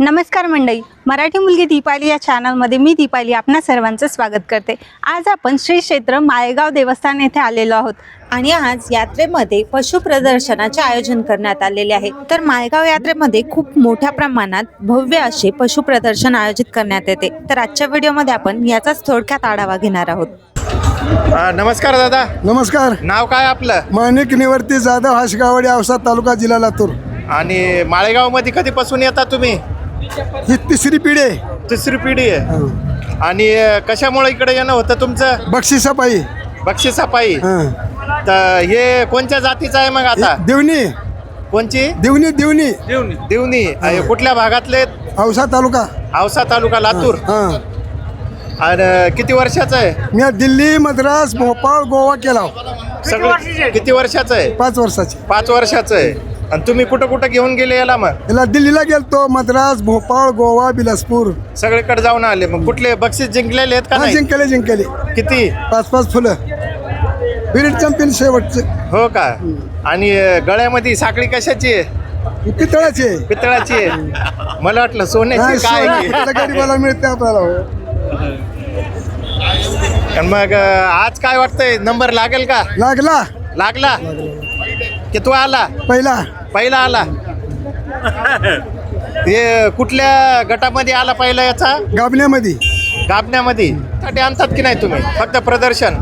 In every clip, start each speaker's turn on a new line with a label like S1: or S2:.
S1: नमस्कार मंडळी, मराठी मुलगी दीपाली या चॅनलमध्ये मी दीपाली आपणा सर्वांचं स्वागत करते। आज आपण श्री क्षेत्र माळेगाव देवस्थान येथे आलेलो आहोत आणि आज यात्रेमध्ये पशु प्रदर्शनाचे आयोजन करण्यात आलेले आहे। तर माळेगाव यात्रेमध्ये खूप मोठ्या प्रमाणात भव्य असे पशु प्रदर्शन आयोजित करण्यात येते। तर आजच्या व्हिडिओमध्ये आपण याचाच थोडक्यात आढावा घेणार आहोत।
S2: नमस्कार दादा।
S3: नमस्कार।
S2: नाव काय आपलं?
S3: माणिक निवर्ती जाधव, हाशगावडी, औसा तालुका, जिल्हा लातूर।
S2: आणि माळेगाव मध्ये कधीपासून येता तुम्ही?
S3: ही तिसरी पिढी आहे।
S2: तिसरी पिढी आहे। आणि कशामुळे इकडे येणं होतं तुमचं?
S3: बक्षिसापायी।
S2: बक्षिसापायी। तर हे कोणत्या जातीचं आहे मग आता?
S3: देवणी।
S2: कोणची?
S3: देवणी देवणी
S2: देवणी। कुठल्या भागातले?
S3: औसा तालुका।
S2: औसा तालुका, लातूर। आणि किती वर्षाचं आहे?
S3: मी दिल्ली, मद्रास, भोपाळ, गोवा केला।
S2: सगळं किती वर्षाचं आहे?
S3: 5 वर्षाची।
S2: 5 वर्षाचं आहे। आणि तुम्ही कुठं कुठं घेऊन गेले याला? मग
S3: याला दिल्लीला गेलतो, मद्रास, भोपाळ, गोवा, बिलासपूर
S2: सगळीकडे जाऊन आले। मग कुठले बक्षीस जिंकलेले आहेत का? नाही
S3: जिंकले।
S2: किती?
S3: 5 फुलं। बिरिट चॅम्पियन शेवटचे।
S2: हो का? आणि गळ्यामध्ये साखळी कशाची आहे?
S3: पितळाची।
S2: पितळाची आहे। मला वाटलं सोन्याची काय आहे?
S3: गरीबाला मिळते आपल्याला।
S2: आणि मग आज काय वाटतंय, नंबर लागेल का? लागला की तू आला? पहिला आला। हे कुठल्या गटामध्ये आला पहिला? याचा
S3: गाबण्यामध्ये
S2: साठी आणतात की नाही तुम्ही? फक्त प्रदर्शन?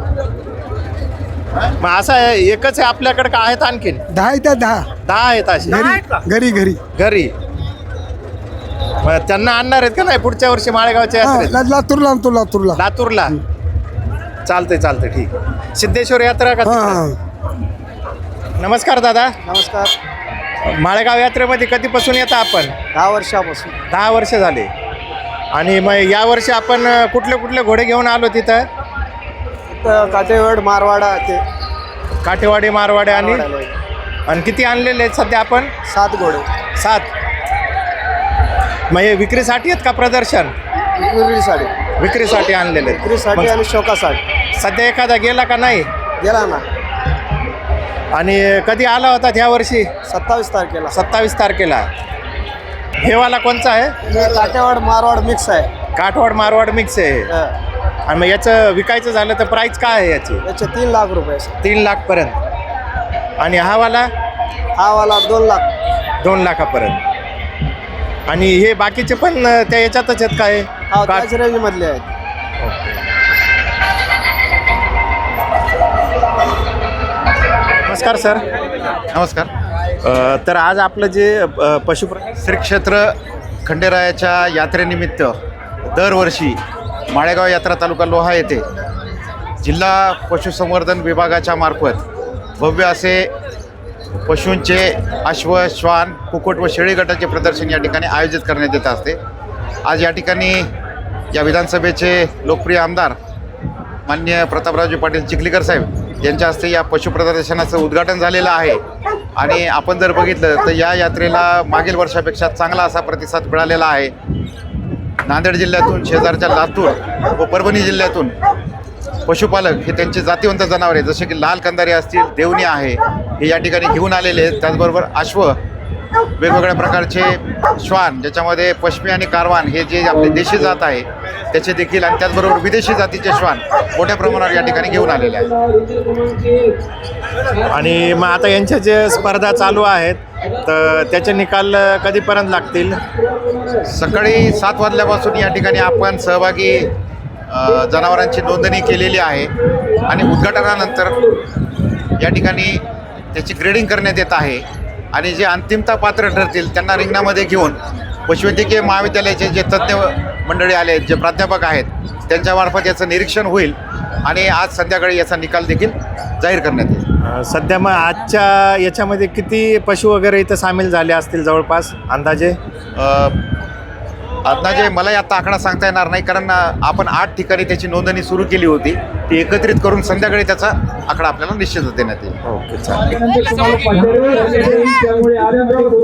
S2: मग असं एकच आहे आपल्याकडे का आहेत आणखीन?
S3: 10
S2: आहेत असे घरी? मग त्यांना आणणार आहेत का नाही पुढच्या वर्षी माळेगावच्या यात्रेत? लातूरला। चालतंय ठीक। सिद्धेश्वर यात्रा का? नमस्कार दादा।
S3: नमस्कार।
S2: माळेगाव यात्रेमध्ये कधीपासून येता आपण?
S3: 10 वर्षापासून।
S2: 10 वर्ष झाले। आणि मग या वर्षी आपण कुठले घोडे घेऊन आलो तिथं?
S3: काटेवाड, मारवाडा ते
S2: काठेवाडी, मारवाडे। आणि किती आणलेले आहेत सध्या आपण?
S3: 7 घोडे।
S2: 7। मग हे विक्रीसाठी आहेत का प्रदर्शन? विक्रीसाठी आणलेले आहेत।
S3: आणि शोकासाठी।
S2: सध्या एखादा गेला का नाही?
S3: गेला ना।
S2: आणि कधी आला होता ह्या वर्षी?
S3: 27 तारखेला।
S2: 27 तारखेला। हेवाला कोणचा आहे?
S3: काटेवाड मारवाड मिक्स आहे।
S2: काठवाड मारवाड मिक्स आहे। आणि मग याचं विकायचं झालं तर प्राईस काय आहे याची?
S3: याचे 3 लाख रुपये।
S2: 3 लाखपर्यंत। आणि हा वाला
S3: 2 लाख।
S2: 2 लाखापर्यंत। आणि हे बाकीचे पण त्या याच्यातच आहेत काय?
S3: त्याच रेंजमधले आहेत।
S2: नमस्कार सर।
S4: नमस्कार।
S2: तर आज आपलं जे
S4: श्री क्षेत्र खंडेरायाच्या यात्रेनिमित्त दरवर्षी माळेगाव यात्रा तालुका लोहा येथे जिल्हा पशुसंवर्धन विभागाच्या मार्फत भव्य असे पशूंचे अश्व, श्वान, कुक्कुट व शेळी गटाचे प्रदर्शन या ठिकाणी आयोजित करण्यात येत असते। आज या ठिकाणी या विधानसभेचे लोकप्रिय आमदार माननीय प्रतापरावजी पाटील चिखलीकर साहेब यांच्या हस्ते या पशु प्रदर्शनाचं उद्घाटन झालेलं आहे। आणि आपण जर बघितलं तर या यात्रेला मागील वर्षापेक्षा चांगला असा प्रतिसाद मिळालेला आहे। नांदेड जिल्ह्यातून, शेजारच्या लातूर व परभणी जिल्ह्यातून पशुपालक हे त्यांचे जातीवंत जनावरे जसे की लाल कंदारी असतील, देवणी आहे, हे या ठिकाणी घेऊन आलेले आहेत। त्याचबरोबर अश्व, वेगवेगळ्या प्रकारचे श्वान ज्याच्यामध्ये पश्मी आणि कारवान हे जे आपले देशी जात आहे त्याचे देखील, आणि त्याचबरोबर विदेशी जातीचे श्वान मोठ्या प्रमाणावर या ठिकाणी घेऊन आलेले आहेत।
S2: आणि मग आता यांच्या जे स्पर्धा चालू आहेत तर त्याचे निकाल कधीपर्यंत लागतील?
S4: सकाळी 7 वाजल्यापासून या ठिकाणी आपण सहभागी जनावरांची नोंदणी केलेली आहे। आणि उद्घाटनानंतर या ठिकाणी त्याची ग्रेडिंग करण्यात येत आहे। आणि जे अंतिमता पात्र ठरतील त्यांना रिंगणामध्ये घेऊन पशुवैद्यकीय महाविद्यालयाचे जे तज्ज्ञ मंडळी आले आहेत, जे प्राध्यापक आहेत, त्यांच्यामार्फत याचं निरीक्षण होईल आणि आज संध्याकाळी याचा निकाल देखील जाहीर करण्यात येईल।
S2: सध्या मग आजच्या याच्यामध्ये किती पशु वगैरे इथं सामील झाले असतील जवळपास अंदाजे?
S4: अंदाजे मला आता आकडा सांगता येणार नाही, कारण आपण 8 ठिकाणी त्याची नोंदणी सुरू केली होती। ती एकत्रित करून संध्याकाळी त्याचा आकडा आपल्याला निश्चितच देण्यात येईल।
S2: ओके, चालेल।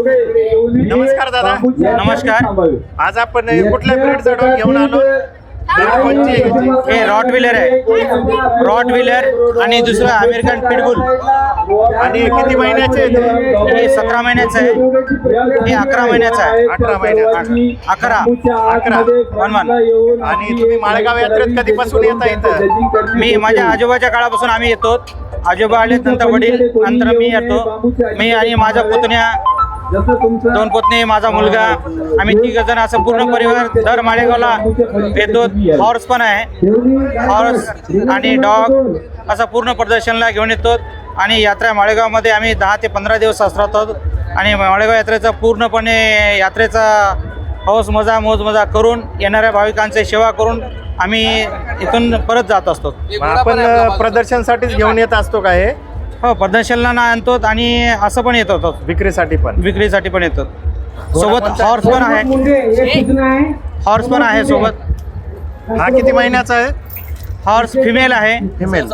S2: नमस्कार दादा।
S5: नमस्कार।
S2: आज आपण कुठल्या ब्रीडचा डॉग घेऊन आलो?
S5: हे रॉट व्हीलर आहे, रॉट व्हीलर आणि दुसरं अमेरिकन पिटबुल.
S2: आणि किती महिन्याचे आहेत हे?
S5: हे 17 महिन्याचं आहे, हे 11 महिन्याचं आहे.
S2: 18 महिन्यात
S5: 11 वन.
S2: आणि तुम्ही माळेगाव यात्रेत कधीपासून येता इथं?
S5: मी माझ्या आजोबाच्या काळापासून आम्ही येतो. आजोबा आले, नंतर वडील, नंतर मी येतो. मी आणि माझा पुतण्या, 2 पुतणे, माझा मुलगा, आम्ही 3 जण असं पूर्ण परिवार दर माळेगावला येतो. हॉर्स पण आहे, हॉर्स आणि डॉग असं पूर्ण प्रदर्शनला घेऊन येतो. आणि यात्रा माळेगावमध्ये आम्ही 10 ते 15 दिवस असतो. आणि माळेगाव यात्रेचा पूर्णपणे यात्रेचा हौस मजा मोज मजा करून येणाऱ्या भाविकांची सेवा करून आम्ही इथून परत जात असतो.
S2: मग आपण प्रदर्शनसाठीच घेऊन येत असतो का हे?
S5: हो, प्रदर्शनला आणतो आणि असं पण येतो,
S2: विक्रीसाठी पण?
S5: विक्रीसाठी पण येतो. सोबत हॉर्स पण आहे, हॉर्स पण आहे सोबत.
S2: हा किती महिन्याचा आहे?
S5: हॉर्स फिमेल आहे.
S2: फिमेल.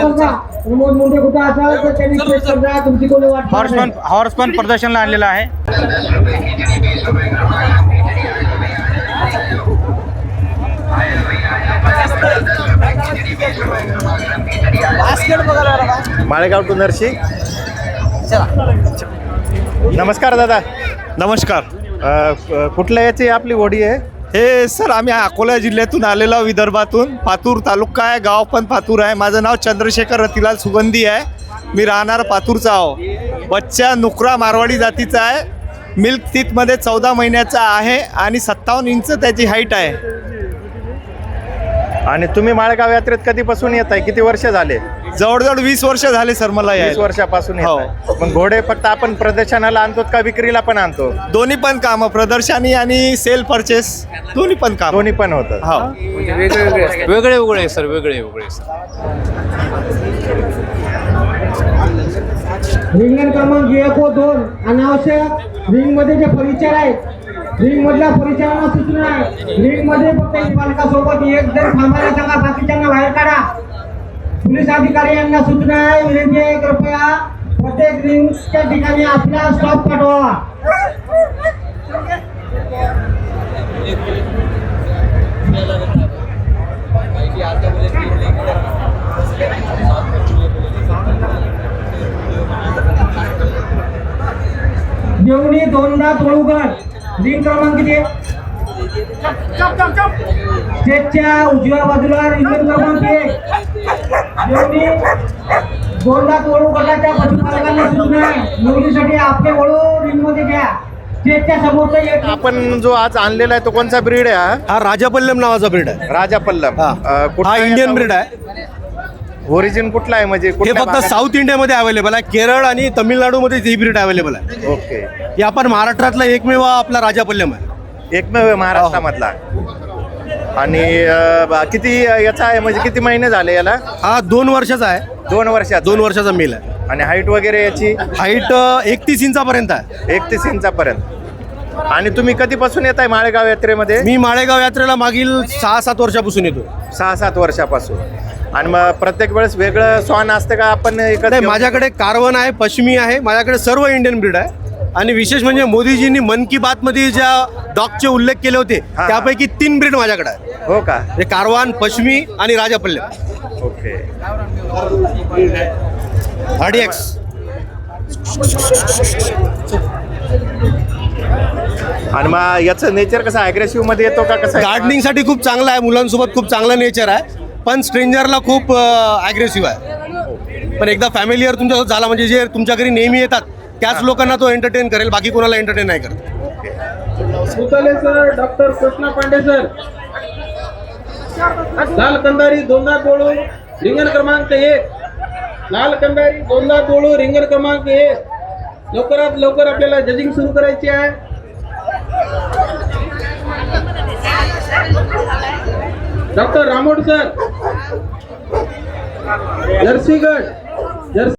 S5: हॉर्स पण प्रदर्शनला आणलेला आहे.
S2: माळेगाव टू नरशी. नमस्कार दादा.
S6: नमस्कार.
S2: कुठल्या याची आपली होडी आहे?
S6: हे सर आम्ही अकोला जिल्ह्यातून आलेलो, विदर्भातून. पातूर तालुका आहे, गाव पण पातूर आहे. माझं नाव चंद्रशेखर रतिलाल सुगंधी आहे. मी राहणार पातूरचा आहो. बच्चा नुकरा मारवाडी जातीचा आहे. मिल्क टीथमध्ये 14 महिन्याचा आहे आणि 57 इंच त्याची हाईट आहे.
S2: आणि तुम्ही माळेगाव यात्रेत कधीपासून येत आहे? किती वर्ष झाले?
S6: जवळजवळ 20 वर्ष झाले सर मला
S2: 20
S6: यायला.
S2: वर्षापासून
S6: हो.
S2: येताय. मग घोडे फक्त आपण प्रदर्शनाला आणतो का विक्रीला पण आणतो?
S6: दोन्ही पण कामं, प्रदर्शनी आणि सेल परचेस दोन्ही पण काम.
S2: दोन्ही पण होतं.
S6: हो.
S7: वेगळे वेगळे सर, वेगळे वेगळे सर.
S8: रिंगण क्रमांक 1 व 2 अनावश्यक रिंग मध्ये जे परिचय आहेत, रिंग मधल्या परिचयाला सूचना आहे. रिंग मध्ये फक्त एक बालकासोबत एक जण थांबायला सांगा, बाकीच्यांना बाहेर काढा. पोलीस अधिकारी यांना सूचना आहे, विनंती आहे कृपया प्रत्येक रिंगच्या ठिकाणी आपला स्टॉप पाठवा. जेवणी 2दा तोळूगड. रिंग क्रमांक किती? स्टेजच्या उजव्या बाजूला रिंग क्रमांक 1. जेवणी 2दा तोळू गटाच्या पशुपालकांना सूचना आहे, मुलीसाठी आपले वळू रिंग मध्ये घ्या. स्टेजच्या समोरचा एक.
S2: आपण जो आज आणलेला आहे तो कोणचा ब्रीड आहे हा?
S6: हा राजापल्लम नावाचा ब्रीड आहे.
S2: राजा पल्लम.
S6: हा इंडियन ब्रीड आहे.
S2: ओरिजिन कुठला आहे म्हणजे?
S6: हे
S2: कुठल्या
S6: फक्त
S2: भागात?
S6: साऊथ इंडियामध्ये अवेलेबल आहे. केरळ आणि तमिळनाडूमध्ये ही ब्रीड अवेलेबल आहे.
S2: ओके.
S6: हे आपण महाराष्ट्रातला एकमेव आपला राजापल्लम आहे.
S2: एकमेव आहे महाराष्ट्रामधला. आणि किती याचा आहे म्हणजे किती महिने झाले याला?
S6: हा 2 वर्षाचा आहे.
S2: 2 वर्षात.
S6: 2 वर्षाचा मेल आहे.
S2: आणि हाईट वगैरे याची?
S6: हाईट 31 इंचापर्यंत आहे.
S2: 31 इंचापर्यंत. आणि तुम्ही कधीपासून येत आहे माळेगाव यात्रेमध्ये?
S6: मी माळेगाव यात्रेला मागील 6-7 वर्षापासून येतो.
S2: 6-7 वर्षापासून. आणि मग प्रत्येक वेळेस वेगळं स्वान असतं का आपण एकच
S6: नाही,
S2: घेऊन?
S6: माझ्याकडे कारवन आहे, पश्चिमी आहे, माझ्याकडे सर्व इंडियन ब्रीड आहे. आणि विशेष म्हणजे मोदीजींनी मन की बात मध्ये ज्या डॉगचे उल्लेख केले होते
S2: हा.
S6: त्यापैकी 3 ब्रीड माझ्याकडे आहे.
S2: हो का?
S6: हे कारवान, पश्चिमी आणि राजापल्लम.
S2: ओके.
S6: RDX.
S2: आणि मग याचं नेचर कसं अग्रेसिव्ह मध्ये येतो का कसं?
S6: गार्डनिंग साठी खूप चांगला आहे, मुलांसोबत खूप चांगलं नेचर आहे, पण स्ट्रेंजरला खूप अग्रेसिव्ह आहे. पण एकदा फॅमिलीवर तुमच्यासोबत झाला म्हणजे जे तुमच्या घरी नेहमी येतात त्याच लोकांना तो एंटरटेन करेल, बाकी कोणाला एंटरटेन नाही करत.
S8: भूताले sir, doctor Krishna Pandey sir. Lal Kandhari 2दा तोळू रिंगण क्रमांक 1. लाल कंदारी 2दा तोळू रिंगण क्रमांक 1. लवकरात लवकर आपल्याला जजिंग सुरू करायची आहे. Doctor Ramod sir, जर्सीगड.